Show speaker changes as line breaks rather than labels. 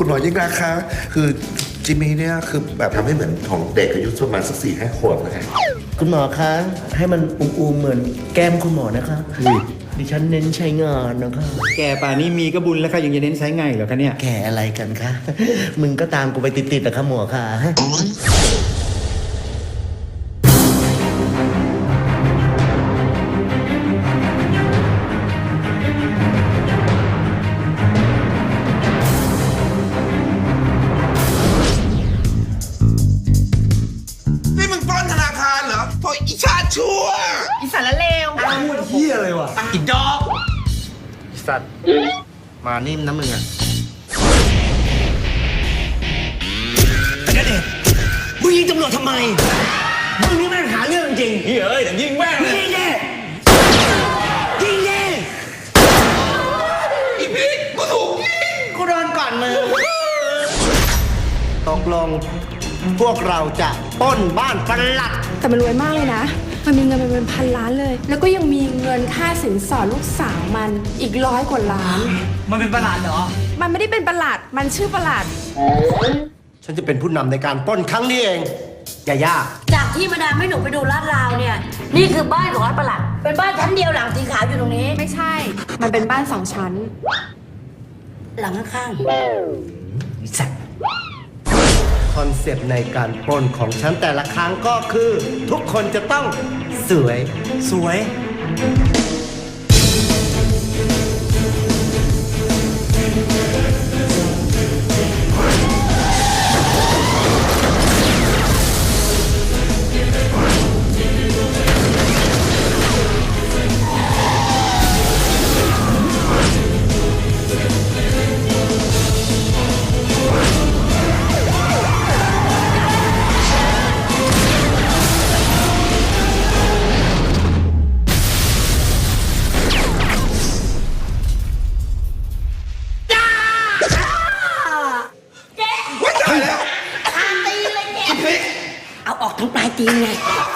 คุณหมอยิ่งรักคะคือจิมมี่เนี่ยคือแบบทำให้เหมือนของเด็กอายุประมาณสัก4-5 ขวบนะฮะ
คุณหมอคะให้มันอูมๆเหมือนแก้มคุณหมอนะคะดิฉันเน้นใช้งานนะคะ
แกป่านนี้มีก็บุญแล้วค่ะยังจะเน้นใช้ไงเหรอคะเนี่ย
แก่อะไรกันคะ มึงก็ตามกูไปติดๆนะคะหมอค่ะ
นี่มึงปล้นธนาคารเหรอโถอีชาติชั่ว
อีสารเลว
พูดเฮียอะไรวะ
อีดอก
สัตว์ มานิ่มนะมึงอะ
มึงยิงตำรวจทำไม มึงนี่แม่งหาเรื่องจริงเฮ้ยแต่ยิงแม่งยิงดิยิงดิ
อีพีกูถูกยิง
กูโดนก่อนมึงตกลง พวกเราจะปล้นบ้านปลัด
แต่มันรวยมากเลยนะ มันมีเงินเป็นพันล้านเลย แล้วก็ยังมีเงินค่าสินสอดลูกสาวมันอีก100 กว่าล้าน
มันเป็นประหลาดเหรอ
มันไม่ได้เป็นประหลัด มันชื่อประหลัด
ฉันจะเป็นผู้นำในการปล้นครั้งนี้เองอย่ายาก
จากที่มาดามให้หนูไปดูลาดราวเนี่ย นี่คือบ้านของรัฐประหลัด เป็นบ้านชั้นเดียวหลังสีขาวอยู่ตรงนี้
ไม่ใช่ มันเป็นบ้าน2 ชั้น
หลังข้าง
คอนเซปต์ในการปล้นของฉันแต่ละครั้งก็คือ ทุกคนจะต้องสวย
สวย
ๆ เอาออกทั้งปลายตีนไง